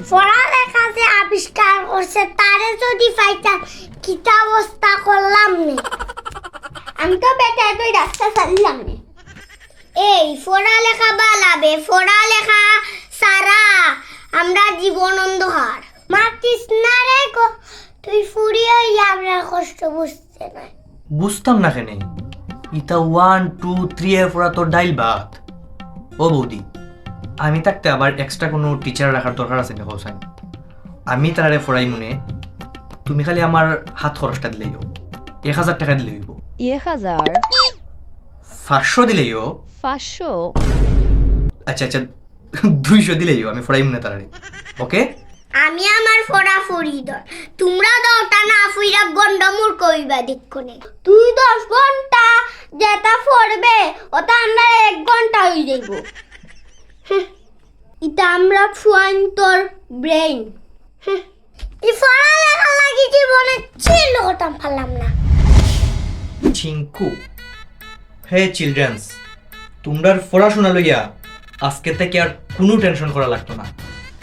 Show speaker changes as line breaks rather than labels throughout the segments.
পড়ালেখা যে আবিষ্কার করছে তারে যদি পাইতাম কিতা অবস্থা করলাম নে। আমি তো বেটা তুই রাস্তা চালিলাম নে। এই পড়ালেখা বালাবে, পড়ালেখা সারা আমরা জীবন অন্ধকার। মাতিস না রে গো, তুই ফুরিয়ে আমরা কষ্ট বুঝতে না।
বুঝতাম না কেন ইতা 1 2 3 এর পড়া তোর ডাইল ভাত। ও বৌদি, আমি থাকতে আবার এক্সট্রা কোনো টিচার রাখার দরকার আছে না হোসেন? আমি তারে পড়াই মনে, তুমি খালি আমার হাত খরচটা দিলেইও। 1000 টাকা দিলেই হইব।
1000
500 দিলেইও।
500
আচ্ছা আচ্ছা 200 দিলেইও, আমি পড়াই মনে তারে। ওকে?
আমি আমার ফোড়া ফুরি দর, তোমরা দরটা না ফুইরা গন্ডমুর কইবা দেখনে। তুই 10 ঘন্টা যেটা পড়বে ওটা আমরা 1 ঘন্টা হই যাইব। এটা আমরা ফুয়ান তোর ব্রেইন। ই ফোড়া লেখা লাগি জীবনে ছিল ওটা পারলাম না।
চিঙ্কু, হে চিলড্রেন্স, তোমরার পড়াশোনা লইয়া আজকে থেকে আর কোনো টেনশন করা লাগতো না।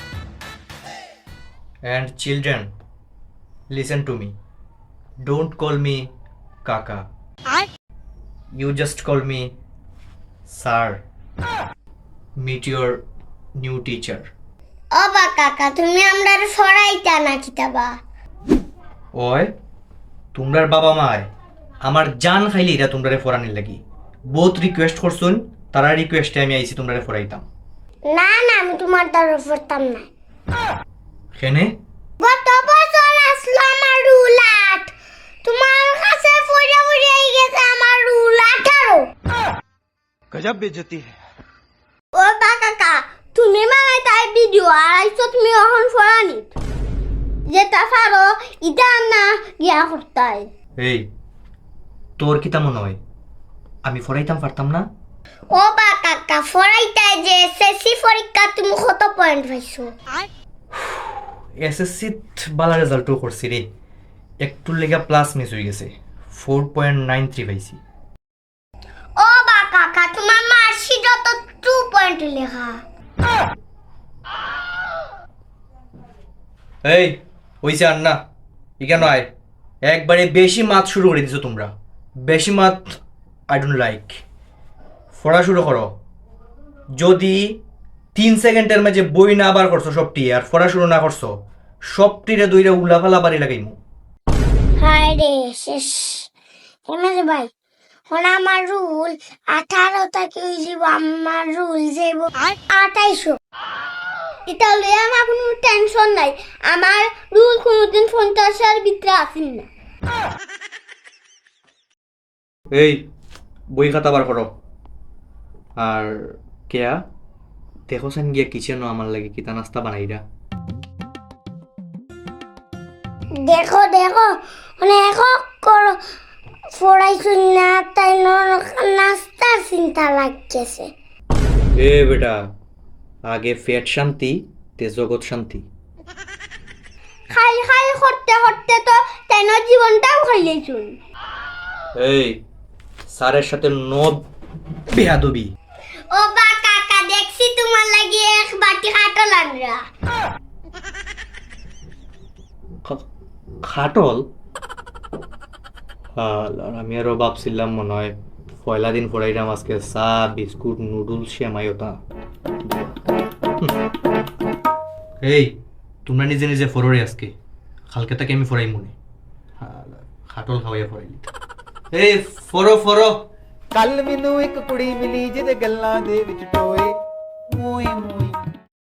And children, listen to me. Don't call me Kaka. You just call me Sir. Meet your new teacher.
ও বা কাকা, তুমি আমরার ফড়াইতা না কিতাবা?
ওই তোমরার বাবা মায় আমার জান খাইলে এটা তোমরারে ফরানির লাগি বহুত রিকোয়েস্ট করছুন, তারা রিকোয়েস্টে আমি আইছি তোমরারে ফরাইতাম।
না না, আমি তোমার দ্বারা পড়তাম না।
কেনে?
গত বছর আসলো আমার রুল 8, তোমার কাছে পড়ে পড়ে গেছে আমার রুল 18।
गजब बेइज्जती है।
ও বা কাকা, তুমি মানে তাই ভিডিও আইছো, তুমি এখন ফরানি যেটা পারো এটা না গিয়া করতাই।
এই তোর কি তেমন হয় আমি ফরাইতাম পারতাম না?
ও বা কাকা, ফরাইতাই যে এসএসসি পরীক্ষা তুমি কত পয়েন্ট পাইছো?
এসএসসি বালা রেজাল্টও করছি রে, একটুর লেগা প্লাস মিস হয়ে গেছে, 4.93 পাইছি।
ও বা কাকা, তোমার মার্কশিট তো 2 পয়েন্ট লেখা।
এই হইছে আর না, ইকেন আয়, একবারে বেশি মাত শুরু করে দিছো তোমরা। বেশি মাত আই ডোন্ট লাইক। পড়া শুরু করো। যদি 3 সেকেন্ডের মাঝে বই না বার করছো সবটি আর পড়া শুরু না করছো, সবটিরে দইরা উলাফালা বাড়ি লাগাইমু।
হায় রে শেষ। হেমাজ ভাই, হন আমার রুল 18 থেকে হয়ে যাব, আমার রুল যাব 28। এটা লইয়া আমার কোনো টেনশন নাই, আমার রুল কোনোদিন 50-এর ভিতরে আসেন না।
এই বই খাতা বার করো। আর কেয়া দেখো সেন গিয়া কিচেনও আমার লাগে কিতা নাস্তা বানাইরা।
দেখো দেখো অনেক করো পড়াইছো না, তাই নাস্তার চিন্তা লাগতেছে।
এ বেটা, আগে পেট শান্তি তে জগৎ শান্তি।
খাই খাই করতে করতে তো তাই জীবনটাও খাইলেছুন।
এই স্যারের সাথে নব বেয়াদবি।
ও বা কাকা, দেখছি তোমার লাগি এক বাটি কাটল আনরা।
খাটল? আর আমি আরো ভাবছিলাম মনে হয় পয়লা দিন পড়াইলাম আজকে চা বিস্কুট নুডলস সেমাইওতা। এই তোমরা নিজে নিজে ফররে আজকে, কালকে থেকে আমি ফরাই মনে খাটল খাওয়াইয়া ফরাইলি। এই ফরো ফরো।
ਕੱਲ ਮੈਨੂੰ ਇੱਕ ਕੁੜੀ ਮਿਲੀ ਜਿਹਦੇ ਗੱਲਾਂ ਦੇ ਵਿੱਚ ਟੋਏ ਮੂੰਹ